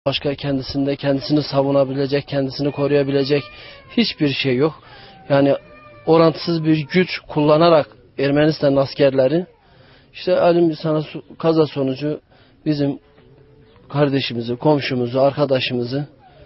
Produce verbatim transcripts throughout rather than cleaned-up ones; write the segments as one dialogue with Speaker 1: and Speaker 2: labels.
Speaker 1: Başka kendisinde kendisini savunabilecek, kendisini koruyabilecek hiçbir şey yok. Yani orantısız bir güç kullanarak Ermenistan askerleri işte elim sana kaza sonucu bizim kardeşimizi, komşumuzu, arkadaşımızı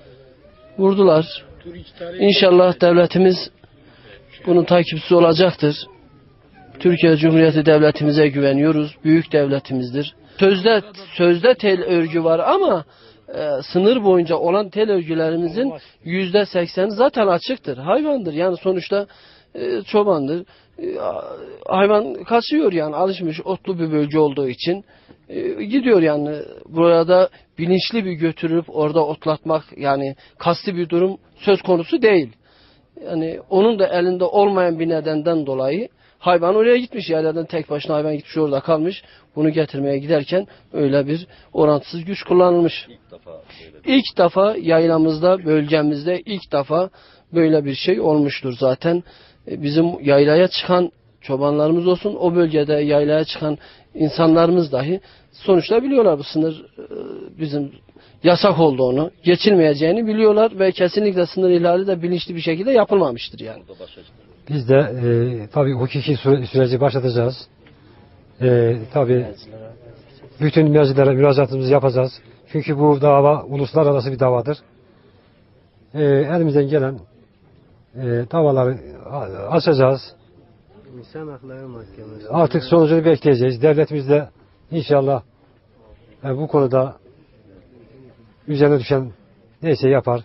Speaker 1: vurdular. İnşallah devletimiz bunun takipçisi olacaktır. Türkiye Cumhuriyeti devletimize güveniyoruz. Büyük devletimizdir. Sözde sözde tel örgü var ama e, sınır boyunca olan tel örgülerimizin yüzde sekseni zaten açıktır. Hayvandır. Yani sonuçta e, çobandır. E, hayvan kaçıyor yani alışmış otlu bir bölge olduğu için e, gidiyor yani. Burada bilinçli bir götürüp orada otlatmak yani kasti bir durum söz konusu değil. Yani onun da elinde olmayan bir nedenden dolayı hayvan oraya gitmiş. Yerlerden tek başına hayvan gitmiş orada kalmış. Bunu getirmeye giderken öyle bir orantısız güç kullanılmış. İlk defa, ilk defa yaylamızda, bölgemizde ilk defa böyle bir şey olmuştur zaten. Bizim yaylaya çıkan çobanlarımız olsun, o bölgede yaylaya çıkan insanlarımız dahi sonuçta biliyorlar bu sınır bizim yasak olduğunu, geçilmeyeceğini biliyorlar ve kesinlikle sınır ihlali de bilinçli bir şekilde yapılmamıştır yani.
Speaker 2: Biz de e, tabii hukuki süre, süreci başlatacağız. E, tabii bütün meclislere müracaatımızı yapacağız. Çünkü bu dava uluslararası bir davadır. E, elimizden gelen e, davaları açacağız.
Speaker 3: İnsan Hakları Mahkemesi.
Speaker 2: Artık sonucunu bekleyeceğiz. Devletimiz de inşallah e, bu konuda üzerine düşen neyse yapar.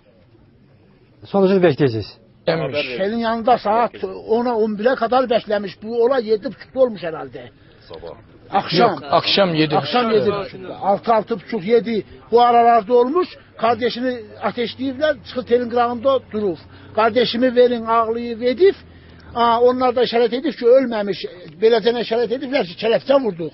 Speaker 2: Sonucunu bekleyeceğiz.
Speaker 4: Şeyin yanında saat ona on bire kadar beklemiş. Bu olay yedi buçukta olmuş herhalde.
Speaker 5: Sabah.
Speaker 4: Akşam.
Speaker 5: Yok, akşam yedi.
Speaker 4: Akşam yedi buçukta. Altı altı buçuk yedi. Bu aralarda olmuş. Kardeşini ateşleyirler. Çıkı telin kırağında durur. Kardeşimi verin ağlayı vedif. Aa, onlar da işaret edip ki ölmemiş. Belediyene işaret edipler ki kelepçe vurduk.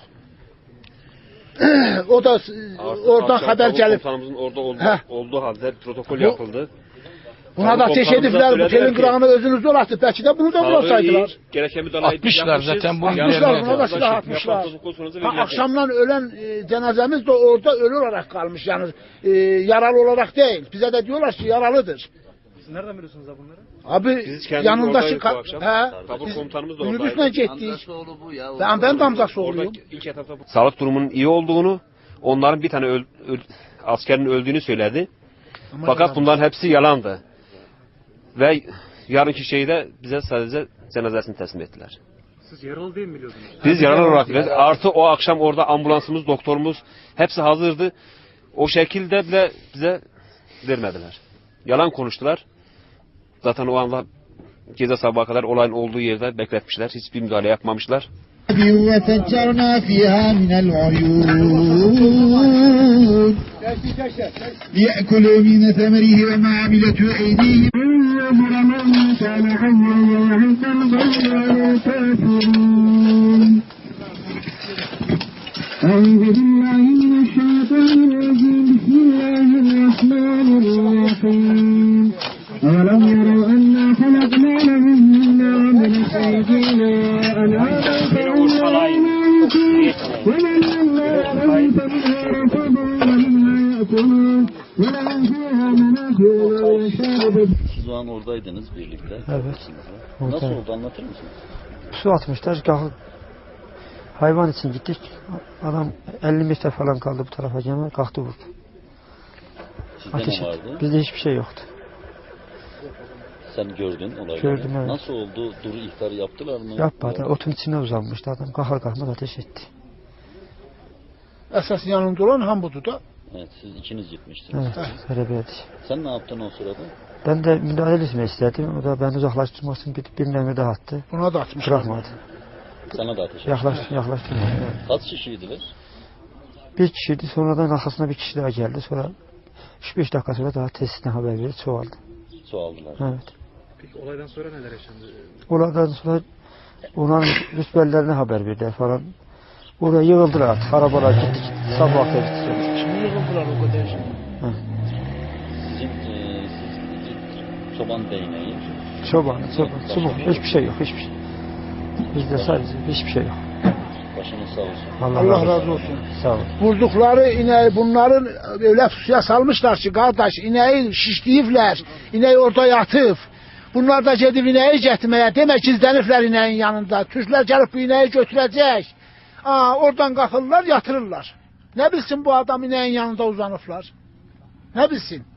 Speaker 4: O da
Speaker 5: Artık
Speaker 4: oradan haber gelip.
Speaker 5: Komutanımızın orada olduğu, olduğu halde protokol
Speaker 4: Bu,
Speaker 5: yapıldı.
Speaker 4: Buna da ateş edipler. Bu telin kırağını özünüzde olaktı. Belki de bunu da bulasaydılar.
Speaker 5: Gereken müdahaleyi
Speaker 6: atmışlar zaten bunu.
Speaker 4: Atmışlar buna da silah atmışlar. Ha, akşamdan ölen e, cenazemiz de orada ölü olarak kalmış yani e, yaralı olarak değil. Bize de diyorlar ki yaralıdır.
Speaker 3: Siz nereden biliyorsunuz da bunları?
Speaker 4: Abi yanındaki he,
Speaker 5: tabur komutanımız da
Speaker 4: minibüsle
Speaker 5: oradaydı.
Speaker 4: gittik. Ben ben de amcası
Speaker 5: Orada
Speaker 4: oğluyum.
Speaker 5: ilk etapta sağlık durumunun iyi olduğunu, onların bir tane öl, öl, askerin öldüğünü söyledi.
Speaker 4: Ama
Speaker 5: Fakat
Speaker 4: yalan.
Speaker 5: bunların hepsi yalandı. Ve yarınki şeyde bize sadece cenazesini teslim ettiler.
Speaker 3: Siz yaralı değil mi biliyordunuz?
Speaker 5: Biz yaralı olarak biliriz. Artı o akşam orada ambulansımız, doktorumuz hepsi hazırdı. O şekilde bile bize vermediler. Yalan konuştular. Zaten o anda gece sabaha kadar olayın olduğu yerde bekletmişler. Hiçbir müdahale yapmamışlar.
Speaker 7: وفجرنا فيها من العيون ليأكلوا من ثمره وما عملته أيديهم أعوذ بالله من الشيطان الرجيم بسم الله الرحمن الرحيم أولم يروا أنا خلقنا لهم مما عملت أيدينا أنعاما ومن الله لهم فمنها ركوبهم ومنها يأكلون ولهم فيها منافع ومشارب.
Speaker 8: Siz o an oradaydınız birlikte.
Speaker 2: Evet.
Speaker 8: Nasıl oldu anlatır mısınız?
Speaker 2: Su atmışlar. Kalkıp hayvan için gittik. Adam elli metre falan kaldı bu tarafa gelme. Kalktı vurdu.
Speaker 8: Sizde
Speaker 2: Ateş
Speaker 8: ne
Speaker 2: etti.
Speaker 8: vardı?
Speaker 2: Bizde hiçbir şey yoktu.
Speaker 8: Sen gördün olayları.
Speaker 2: Gördüm, evet.
Speaker 8: Nasıl oldu? Duru ihtarı yaptılar mı?
Speaker 2: Yapmadı. Otun içine uzanmıştı adam. Kalkar kalkmaz ateş etti.
Speaker 4: Esas yanında olan Hambudu da.
Speaker 8: Evet, siz ikiniz gitmiştiniz.
Speaker 2: Evet. Beraberdi.
Speaker 8: Sen ne yaptın o sırada?
Speaker 2: Ben de müdahale etmek istedim. O da beni uzaklaştırmak için bir, bir mermi daha attı.
Speaker 4: Buna da atmışlar.
Speaker 2: Bırakmadı.
Speaker 8: Sana da ateş etti.
Speaker 2: Yaklaş, yaklaştırmadı. Evet.
Speaker 8: Kaç kişiydiler?
Speaker 2: Bir kişiydi. Sonradan arkasına bir kişi daha geldi. Sonra üç beş dakika sonra daha tesisine haber verdi. Çoğaldı.
Speaker 8: Çoğaldılar.
Speaker 2: Evet.
Speaker 3: Peki olaydan sonra neler yaşandı?
Speaker 2: Oradan sonra onların rütbelerine haber verdiler falan. Oraya yığıldılar artık. Arabalar gittik. Sabah akşam gittik.
Speaker 4: Şimdi yığıldılar o kadar.
Speaker 8: Sizin e, siz çoban değneği.
Speaker 2: Çoban, çoban, çoban. Hiçbir şey yok, hiçbir şey. Bizde sadece hiçbir şey yok.
Speaker 8: Başınız sağ olsun.
Speaker 4: Allah razı olsun.
Speaker 2: Sağ olun.
Speaker 4: Vurdukları ineği bunların öyle suya salmışlar ki kardeş ineği şişleyiblər. İneği orada yatıp. Bunlar da gedib ineği getirmeye. Demek gizleniblər ineğin yanında. Türkler gelip bu ineği götürecek. Aa, oradan kalkırlar yatırırlar. Ne bilsin bu adam ineğin yanında uzanıblar. Ne bilsin.